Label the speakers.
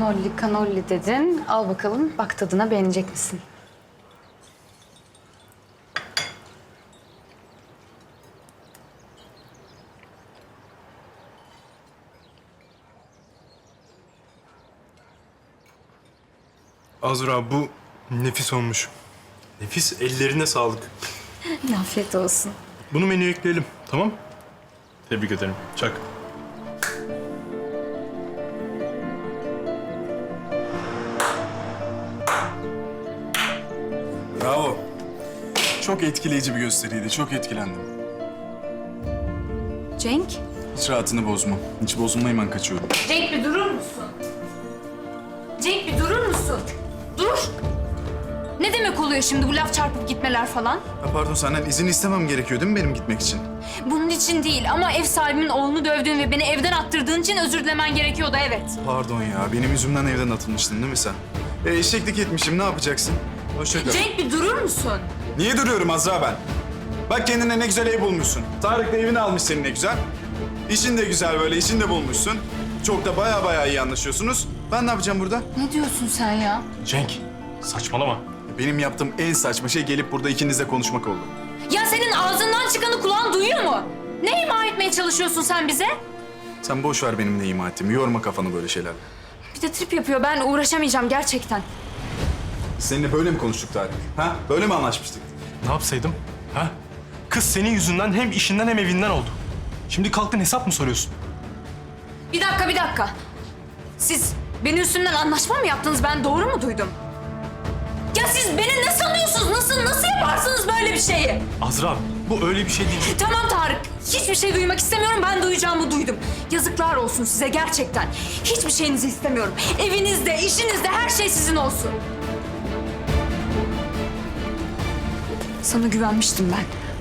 Speaker 1: Kanolli kanolli dedin. Al bakalım, bak tadına beğenecek misin?
Speaker 2: Azra bu nefis olmuş. Nefis, ellerine sağlık.
Speaker 1: Afiyet olsun.
Speaker 2: Bunu menüye ekleyelim, tamam? Tebrik ederim. Çak.
Speaker 3: Bravo. Çok etkileyici bir gösteriydi. Çok etkilendim.
Speaker 1: Cenk?
Speaker 3: Hiç rahatını bozma. Hiç bozulma, hemen kaçıyorum.
Speaker 1: Cenk bir durur musun? Cenk bir durur musun? Dur! Ne demek oluyor şimdi bu laf çarpıp gitmeler falan?
Speaker 3: Ya pardon, senden izin istemem gerekiyor değil mi benim gitmek için?
Speaker 1: Bunun için değil ama ev sahibimin oğlunu dövdüğün ve beni evden attırdığın için özür dilemen gerekiyordu, evet.
Speaker 3: Pardon ya, benim yüzümden evden atılmıştın değil mi sen? Eşeklik etmişim, ne yapacaksın? Hoşça kal.
Speaker 1: Cenk bir durur musun?
Speaker 3: Niye duruyorum Azra ben? Bak kendine ne güzel ev bulmuşsun. Tarık da evini almış senin ne güzel. İşin de güzel böyle, işin de bulmuşsun. Çok da baya iyi anlaşıyorsunuz. Ben ne yapacağım burada?
Speaker 1: Ne diyorsun sen ya?
Speaker 2: Cenk, saçmalama.
Speaker 3: Benim yaptığım en saçma şey gelip burada ikinizle konuşmak oldu.
Speaker 1: Ya senin ağzından çıkanı kulağın duyuyor mu? Ne ima etmeye çalışıyorsun sen bize?
Speaker 3: Sen boş ver benim ne ima ettiğimi, yorma kafanı böyle şeylerle.
Speaker 1: Bir de trip yapıyor, ben uğraşamayacağım gerçekten.
Speaker 3: Seninle böyle mi konuştuk Tarık? Ha? Böyle mi anlaşmıştık?
Speaker 2: Ne yapsaydım? Ha? Kız senin yüzünden hem işinden hem evinden oldu. Şimdi kalktın hesap mı soruyorsun?
Speaker 1: Bir dakika. Siz benim üstümden anlaşma mı yaptınız? Ben doğru mu duydum? Ya siz beni ne sanıyorsunuz? Nasıl yaparsınız böyle bir şeyi?
Speaker 2: Azra, bu öyle bir şey değil.
Speaker 1: Tamam Tarık, hiçbir şey duymak istemiyorum. Ben duyacağımı duydum. Yazıklar olsun size gerçekten. Hiçbir şeyinizi istemiyorum. Evinizde, işinizde her şey sizin olsun. Sana güvenmiştim ben.